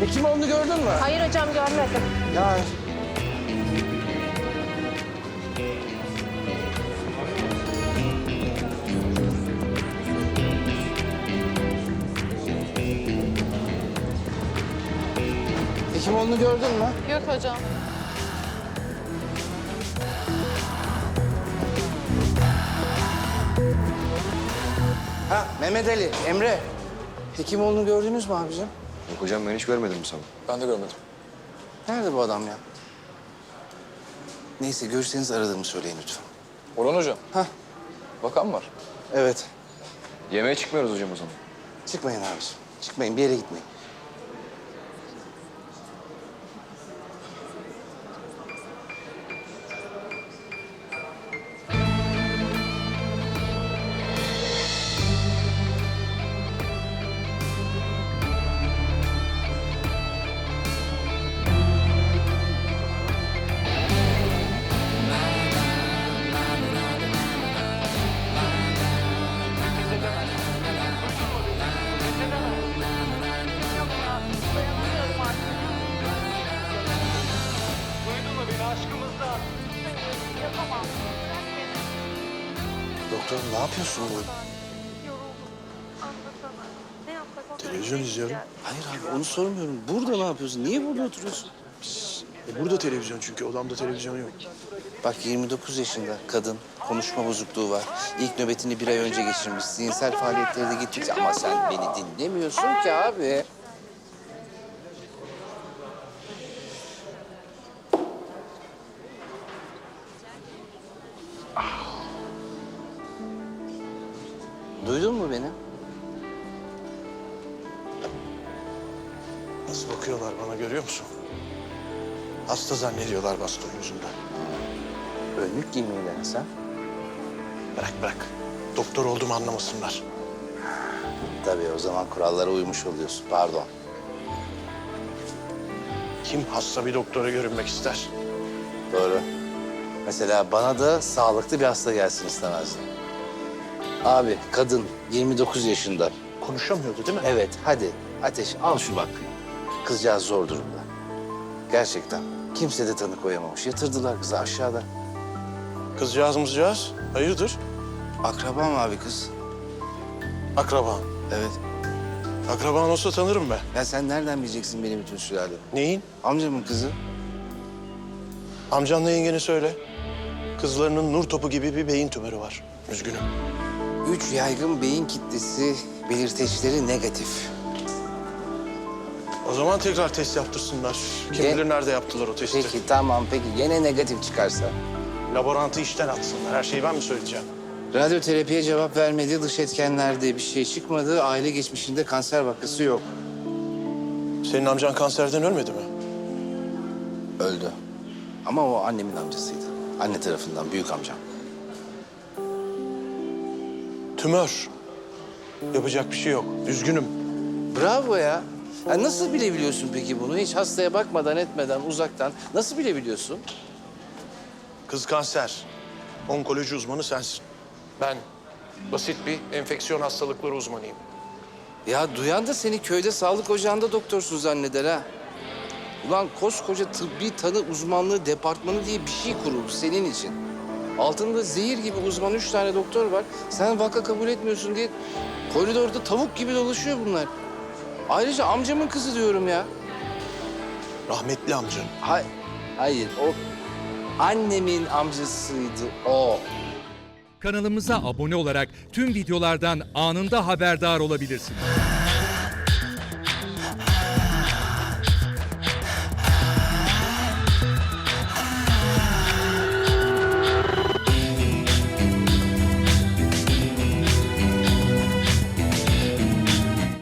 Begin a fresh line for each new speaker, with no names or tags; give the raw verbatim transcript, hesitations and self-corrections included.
Hekimoğlu'nu gördün mü?
Hayır hocam, görmedim.
Ya Hekimoğlu'nu gördün mü?
Yok hocam.
Ha Mehmet Ali, Emre. Hekimoğlu'nu gördünüz mü abicim?
Yok hocam ben hiç görmedim bu sabah.
Ben de görmedim.
Nerede bu adam ya? Neyse görürseniz aradığımı söyleyin lütfen.
Orhan hocam.
Hah.
Bakan var.
Evet.
Yemeğe çıkmıyoruz hocam o zaman.
Çıkmayın abiciğim. Çıkmayın, bir yere gitmeyin. Doktor ne yapıyorsun bu?
Televizyon izliyorum.
Hayır abi onu sormuyorum. Burada ne yapıyorsun? Niye burada oturuyorsun?
E burada televizyon çünkü odamda televizyon yok.
Bak yirmi dokuz yaşında kadın, konuşma bozukluğu var. İlk nöbetini bir ay önce geçirmiş. Zihinsel faaliyetleri de gittikçe ama sen beni dinlemiyorsun ki abi. Duydun mu beni?
Nasıl bakıyorlar bana görüyor musun? Hasta zannediyorlar baston yüzünden.
Önlük giymeyi dene sen.
Bırak bırak. Doktor olduğumu anlamasınlar.
Tabii o zaman kurallara uymuş oluyorsun. Pardon.
Kim hasta bir doktora görünmek ister?
Doğru. Mesela bana da sağlıklı bir hasta gelsin istemezdim. Abi kadın yirmi dokuz yaşında.
Konuşamıyordu değil mi?
Evet hadi Ateş al şu bak. Kızcağız zor durumda. Gerçekten. Kimse de tanı koyamamış. Yatırdılar kızı aşağıda.
Kızcağız mızcağız. Hayırdır?
Akrabam abi kız.
Akraban.
Evet.
Akraban olsa tanırım ben.
Ya sen nereden bileceksin benim bütün sülale?
Neyin?
Amcamın kızı.
Amcanla yengene söyle. Kızlarının nur topu gibi bir beyin tümörü var. Üzgünüm.
Üç yaygın beyin kitlesi belirteçleri negatif.
O zaman tekrar test yaptırsınlar. Kim
Ne?
bilir nerede yaptılar o testi.
Peki tamam peki gene negatif çıkarsa?
Laborantı işten atsınlar. Her şeyi ben mi söyleyeceğim?
Radyoterapiye cevap vermedi, dış etkenlerde bir şey çıkmadı. Aile geçmişinde kanser vakası yok.
Senin amcan kanserden ölmedi mi?
Öldü. Ama o annemin amcasıydı. Anne tarafından büyük amcam.
Tümör. Yapacak bir şey yok. Üzgünüm.
Bravo ya. Ya nasıl bilebiliyorsun peki bunu? Hiç hastaya bakmadan etmeden uzaktan nasıl bilebiliyorsun?
Kız kanser. Onkoloji uzmanı sensin. Ben basit bir enfeksiyon hastalıkları uzmanıyım.
Ya duyan da seni köyde sağlık ocağında doktorsun zanneder ha. Ulan koskoca tıbbi tanı uzmanlığı departmanı diye bir şey kuruldu senin için. Altında zehir gibi uzman üç tane doktor var. Sen vaka kabul etmiyorsun diye koridorda tavuk gibi dolaşıyor bunlar. Ayrıca amcamın kızı diyorum ya.
Rahmetli amcan.
Hay hayır o annemin amcasıydı o.
Kanalımıza abone olarak tüm videolardan anında haberdar olabilirsiniz.